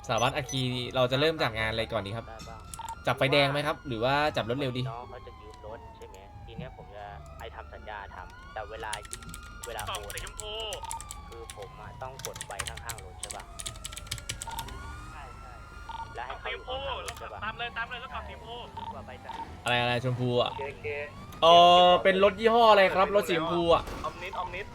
สารวัตรอาคีเราจะเริ่มจากงานอะไรก่อนดีครับจับไฟแดงไหมครับหรือว่าจับรถเร็วดีน้องเขาจะยืมรถใช่ไหมทีเนี้ยผมจะไอทำสัญญาทำแต่เวลาโอนคือผมต้องกดไปข้างๆรถใช่ป่ะใช่แล้วให้เขาอยู่ข้างๆรถใช่ป่ะตามเลยแล้วกลับสีชมพูว่าไปจ้ะอะไรชมพูอ่ะเกเป็นรถยี่ห้ออะไรครับรถสีชมพูอ่ะออมนิดออมนิด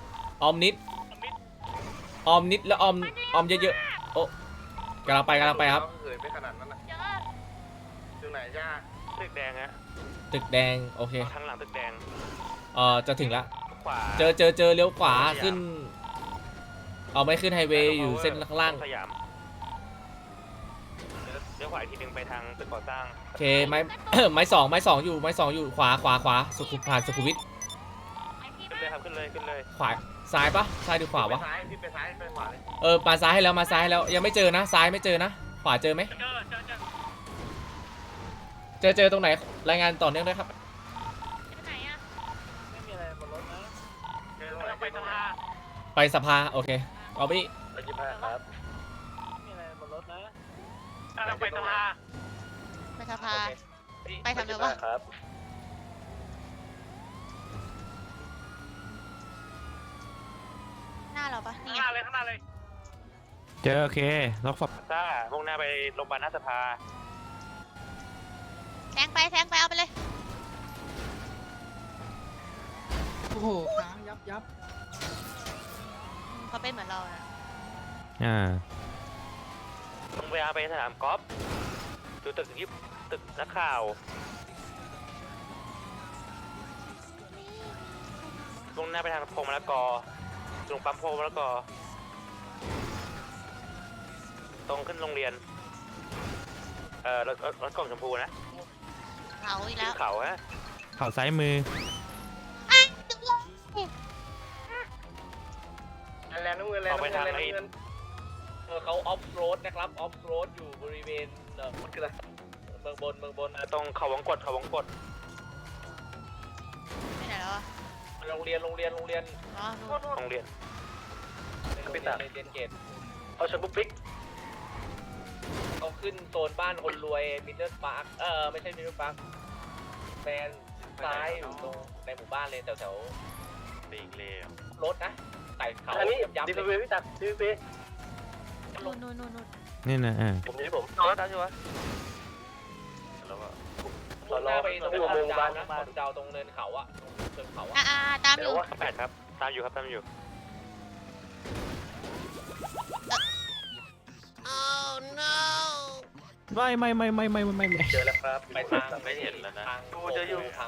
แล้วออมเยอะๆโอ้กำลังไปครับเหินไปขนาดนั้นนะอยู่ไหนจ้าตึกแดงฮะตึกแดงโอเคทางหลังตึกแดงจะถึงละขวาเจอเลี้ยวขวาขึ้นเอาไม่ขึ้นไฮเวย์อยู่เส้นข้างล่างสยามเลี้ยวขวาอีกทีหนึ่งไปทางตึกก่อสร้างโอเคไม้ ไม้สองอยู่ขวาผ่านสุขุมวิทขึ้นเลยครับขึ้นเลยขวาซ้ายปะซ้ายหรือขวาวะพี่ไปซ้ายไปขวาเลยมาซ้ายให้แล้วยังไม่เจอนะซ้ายไม่เจอนะขวาเจอไหมเจอตรงไหนรายงานต่อเนื่องด้วยครับไหนอะไม่มีอะไรบนรถนะเจอตรงไหนไปสภาไปสภาโอเคเอาบี้ไปยิบห้าครับไม่มีอะไรบนรถนะไปสภาไปสภา ไปทำอะไรวะครับหน้าเราปะนี่ข้างหน้าเลยเจอโอเคล็อกฝับซ่ามุ่งหน้าไปโรงพยาบาลหน้าสภาแซงไปเอาไปเลยโอ้โหค้างยับเขาเป็นเหมือนเราอะลงเวลาไปสนามกอล์ฟดูตึกตึกนักข่าวมุ่งหน้าไปทางพงมะละกอตรงปั๊มพงมะละกอตรงขึ้นโรงเรียนรถกล่องชมพูนะเขาอีกขึ้แล้นวเขาฮะเข่าซ้ายมือตึกเลยแลนด์น้ำเงินแลนอด์อกไปน้ำทางเงินไอ้เขาออฟโรดนะครับออฟโรดอยู่บริเวณมันคืออะไรเมืองบนตรงเขาวงกดไปไหนแล้วอะโรงเรียนอ๋อนู่นโรงเรียนในเรียนเกตเอาชนบุกปิ๊กเขาขึ้นโซนบ้านคนรวยมิดเดิลพาร์คไม่ใช่มิดเดิลพาร์คแฟนซ้ายอยู่ตรงในหมู่บ้านเลยแถวปีกเลี้ยวรถนะไต่เขาอันนี้ยับดีเลพียพี่ตัดดีพีนู่นนี่นะผมนี่ผมเอาแล้วได้ใช่ไหมแล้วก็มุ่งหน้าไปตรงหมู่บ้านนะขอดูดาวตรงเนินเขาอะเนินเขาอะตามอยู่แปดครับ ตามอยู่ oh no ไม่เจอแล้วครับไปทางไม่เห็นแล้วนะทางดูจะอยู่ทาง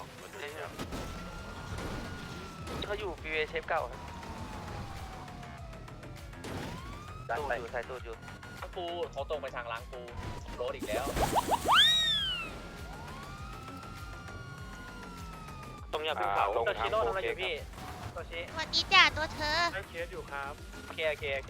เขาอยู่ฟีเวเชฟเก่าครับดันตูดไปอยู่ใส่ตูดอยู่ล้างปูเขาตรงไปทางล้างปูรถอีกแล้วตรงยามภูเขาโตชิโร่ทำอะไรอยู่พี่โตชิสวัสดีจ้าตัวเธอได้เคสอยู่ครับโอเค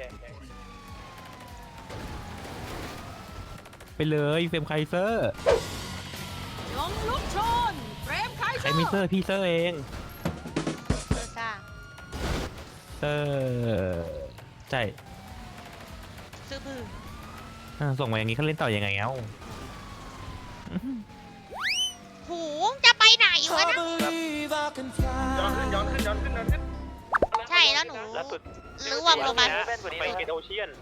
ไปเลยเฟรมไคเซอร์ลงลุกชนเฟรมไคใครมีเซอร์พี่เซอร์เองเธอซ่าเซอร์ใช่ซื้อบือส่งมาอย่างนี้เขาเล่นต่อยังไงเอ้าหูจะไปไหนวะนะย้อนขึ้นใช่แล้วหนูล่าสุดรู้ว่าโรงพยาบาลไปเกตโอเชียน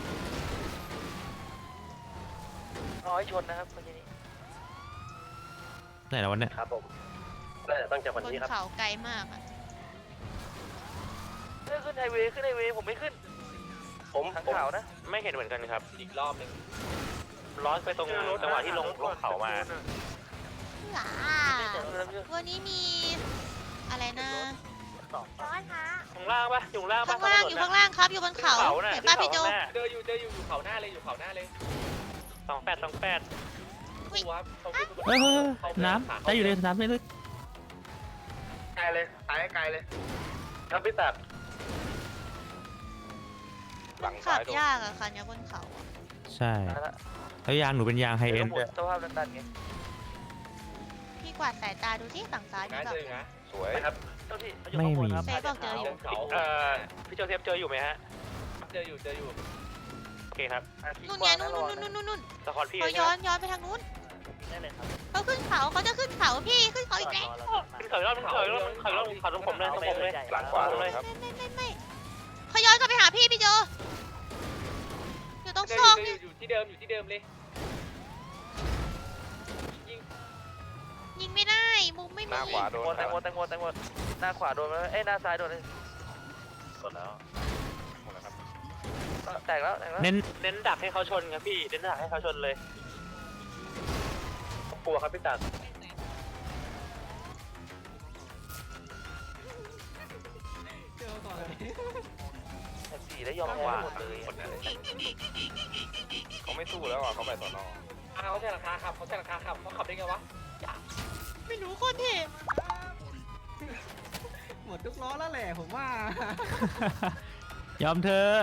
น้อยชนนะครับเมื่อกี้นี้ไหนแล้ววันเนี้ยครับผมน่าจะต้องจากวันบนนี้ครับเขาไกลมากอะขึ้นไฮเวย์ผมไม่ขึ้นผมทางเขานะ ไม่เห็นเหมือนกันครับอีกรอบหนึ่งร้อนไปตรงจังหวะที่ลงเขามาหลาวันนี้มีอะไรนะร้อนคะข้างล่างปะอยู่ข้างล่างปะข้างล่างอยู่ข้างล่างครับอยู่บนเขาเห็นป้าพี่โจเจออยู่อยู่เขาหน้าเลย 28 ดูครับเขาขึ้นน้ำได้อยู่ในน้ำไม่ลึกไกลเลยตายไกลเลยครับพี่ตัดขับยากอะคันนี้บนเขาอะใช่แล้วยางหนูเป็นยางไฮเอ็นด้วยสภาพดันๆไงพี่กวาดสายตาดูที่ฝั่งซ้ายมีนะแบบเจอนะสวยครับเจ้าที่ไม่มีเซฟบอกเจออยู่เขาพี่โจเซฟเจออยู่ไหมฮะเจออยู่ปเคครับนู่นไงนู่นสควอตพี่เขาใช่ย้ไหอมนย้อนไปทางนู้นได้เลยครับเขาขึ้นเขาเขาจะขึ้นเขาพี่ขึ้นเขาอีกแล้วขึ้นเขาอีกรอบเขาอีกรอบเขาอีกรอบเขาตรงผมเลยตรงผมเลยหลังขวาเลยไม่เขาย้อนกลับไปหาพี่โจอยู่ตรงซอกนี่อยู่ที่เดิมอยู่ที่เดิมเลยยิงยิงไม่ได้มุมไม่หมีน้าขวาโดนแตงโมหน้าขวาโดนเอ้ยหน้าซ้ายโดนหมดแล้วแตกแล้วเน้นเน้นดักให้เขาชนครับพี่เน้นดักให้เขาชนเลยกลัวครับพี่ตัดเจอก่อนเลยสี่แล้วยอมว่าเลยเขาไม่สู้แล้วอ่ะเขาไปสอนอเขาใช้หลังคาขับเขาใช้หลังคาขับเขาขับได้ไงวะไม่รู้คนเท่หมดทุกล้อแล้วแหละผมว่ายอมเธอะ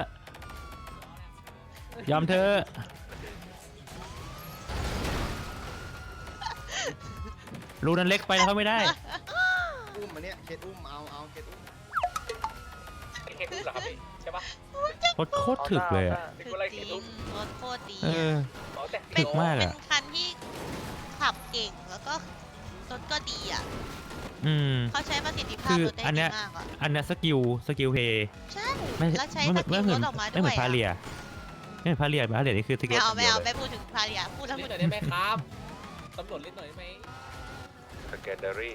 ยอมเธอะรูนั้นเล็กไปแล้วเขาไม่ได้อุ้มมาเนี่ยเคสอุ้มเอาเคสอุ้มไอ้แค่ขึ้นเหรอครับพี่ใช่ปะโคตรถึกเลยอ่ะเป็นอะไรจริแค่งทุกรถโคตรดีเอออ๋อแต่ถึกมากเป็อะนคันที่ขับเก่งแล้วก็รถก็ดีอ่ะอืมเขาใช้ประสิทธิภาคืพอรถได้อันเนี้ดียมากอ่ะอันเนี้ยสกิลเพย์ใช่ไม่แล้วใช้ไม่สกิลเหรมือนถออกมาด้ไม่วเหมืยอนพาเลียไม่เหมือนพาเลียพาเลียนี่คือสกิลไม่เอาเดียวเลยไม่พูดถึงพาเลียพูดแล้วนิพูดดหน่อยได้ไหมครับตำรวจนิดหน่อยได้ไหมสแกนเดอรี่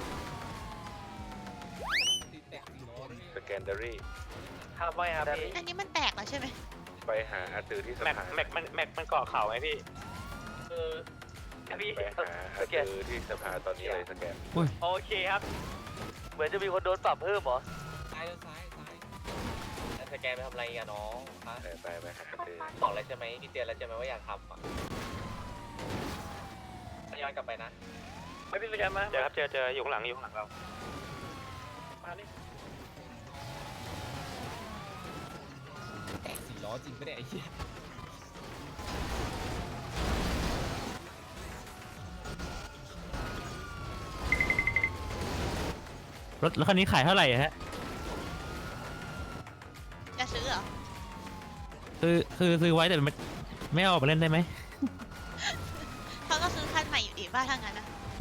ตีแตกสี่ล้อนี่สแกนเดอรี่ทำไมครับพี่อันนี้มันแตกแล้วใช่ไหมไปหาอาตือที่สแม็กภาแม็กมันเกาะเข่าไงพี่เออพี่ไปหาอาตือที่สภาตอนนี้เลยสแกนโอเคครับเหมือนจะมีคนโดนปรับเพิ่มเหรอซ้ายแล้วซ้ายแล้วสแกนไปทำอะไรอะน้องฮะไปหาอาตือบอกแล้วใช่ไหมพี่เตือนแล้วใช่ไหมว่าอยากทำอ่ะย้อนกลับไปนะไม่พี่สแกนมาเจอครับเจออยู่ข้างหลังเรามาดิแตกสี่ล้อจริงปะเนี่ยไอ้เหี้ยรถคันนี้ขายเท่าไหร่อะฮะจะซื้อเหรอคือซื้อไว้แต่ไม่เอาออกมาเล่นได้ไหมเขาก็ซื้อคันใหม่อยู่ดีบ้าทางนั้นนะ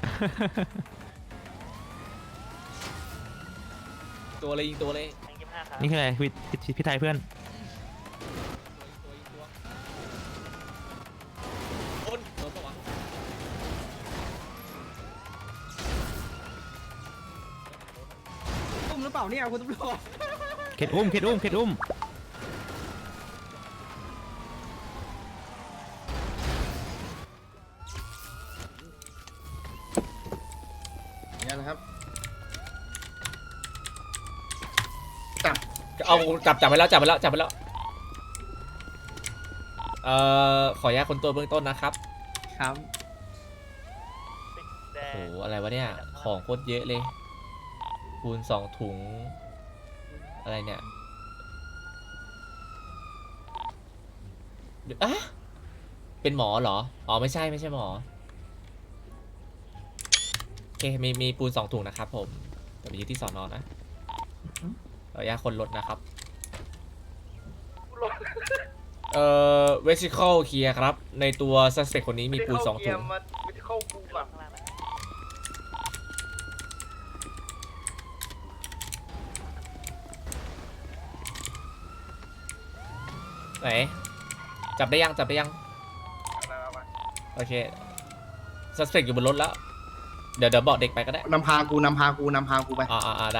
ตัวเลยยิงตัวเลย 25ครับนี่คืออะไรพี่ไทยเพื่อนตัวโดนปะวะอุ้มหรือเปล่าเนี่ยคุณตำรวจเข็ดอุ้มเนี่ยนะครับเอาจับไปแล้วขออนุญาตคนตัวเบื้องต้นนะครับครับแดโอ้งโหอะไรวะเนี่ย ของโคตรเยอะเลย คูณ2 ถุง อะไรเนี่ยเดี๋ยวอะเป็นหมอเหรอ อ๋อไม่ใช่หมอ โอเค มีปูน2 ถุงนะครับผมเดี๋ยวไปยึดที่สอนอนะขออนุญาตคนรถนะครับ vesicle เคลียร์ครับ ในตัว suspect คนนี้มีปูน2 ถุงไม่ได้เข้ากูแบบข้างล่างนะไหน จับได้ยัง โอเค suspect อยู่บนรถแล้ว เดี๋ยวบอกเด็กไปก็ได้นำพากูไปได้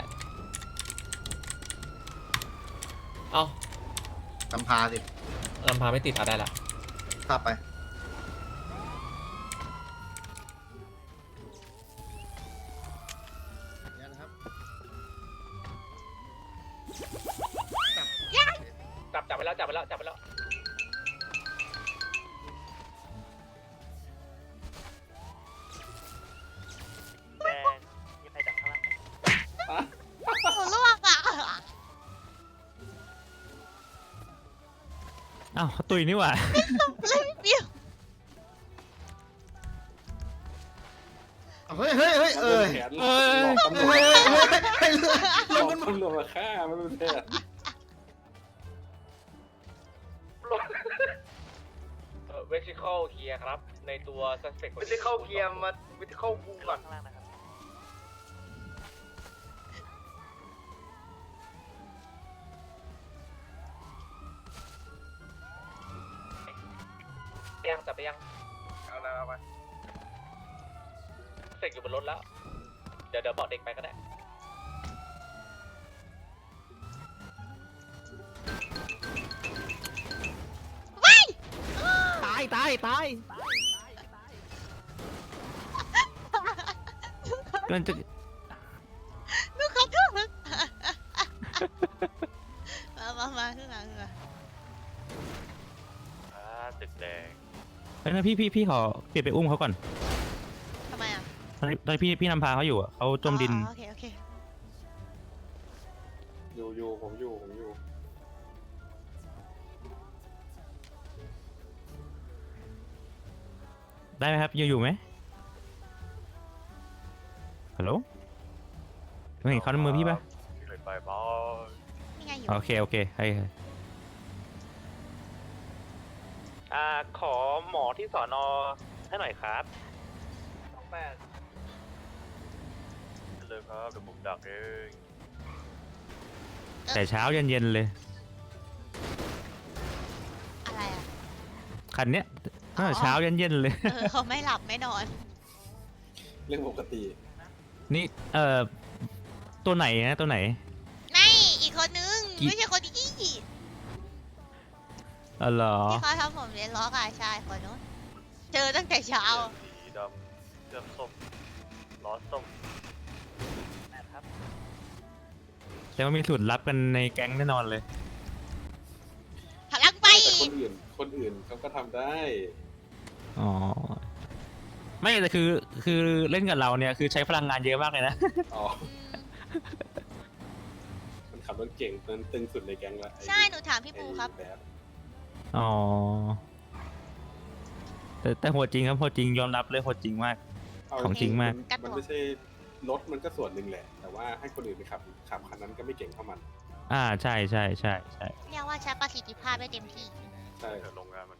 เอ้านำพาสิลำพาไม่ติดได้ละขับไปเนี่ยนะครับจับไปแล้วแดงยังไปจากข้างล่างโอ้ลวกอ่ะอ้าวตุยนี่หว่าเลยเบี้ยวเฮ้ยลงกันหมดตำรวจมาฆ่าไม่เป็นไรเวสิคอลเคลียร์ครับ ในตัว suspect ไม่ได้เข้าเกียร์มาไม่ได้เข้าบูก่อนยังจับไปยังเอาแล้วเอาไปเสกอยู่บนรถแล้ว เดี๋ยวบอกเด็กไปก็ได้ตายตายตายมันจะลูกขอโทษมาขึ้นมาตึกแดงเฮ้ยพี่ขอเปลี่ยนไปอุ้มเขาก่อนทำไมอ่ะตอนนพี่นำพาเขาอยู่อะเขาจมดินโอเคอยู่ผมอยู่ได้ไหมครับอยู่ไหมฮัลโหลไม่เห็นเขาในมือพี่ปะเลยไปบอสนี่ไงอยู่โอเคให้ขอหมอที่สอนอให้หน่อยครับ 28 เลยครับเดี๋ยวผมดักเองแต่เช้าเย็นเลยอะไรอ่ะคันเนี้ยตั้งแต่เช้าเย็นเลยเขาไม่หลับไม่นอนเรื่องปกตินี่ตัวไหนนะตัวไหนไม่อีกคนนึงกี่ไม่ใช่คนที่อ๋อเหรอที่เขาทำผมเรียนล้อกายชายคนนู้นเจอตั้งแต่เช้าสีดำเสื้อส้มล้อส้มแต่ว่ามีสูตรลับกันในแก๊งแน่นอนเลยพลังไปแต่คนอื่นเขาก็ทำได้อ๋อ ไม่แต่คือเล่นกับเราเนี่ยคือใช้พลังงานเยอะมากเลยนะอ๋อ มันขับรถเก่งตึงสุดในแก๊งละใช่หนูถามพี่ปูครับแบบอ๋อ แต่โหดจริงครับโหดจริงยอมรับเลยโหดจริงมากเาของจริงมากมันไม่ใช่รถมันก็ส่วนหนึ่งแหละ แต่ว่าให้คนอื่นไปขับคันนั้นก็ไม่เก่งเท่ามันใช่เรียกว่าใช้ประสิทธิภาพได้เต็มที่ใช่เดี๋ยวโรงงานมัน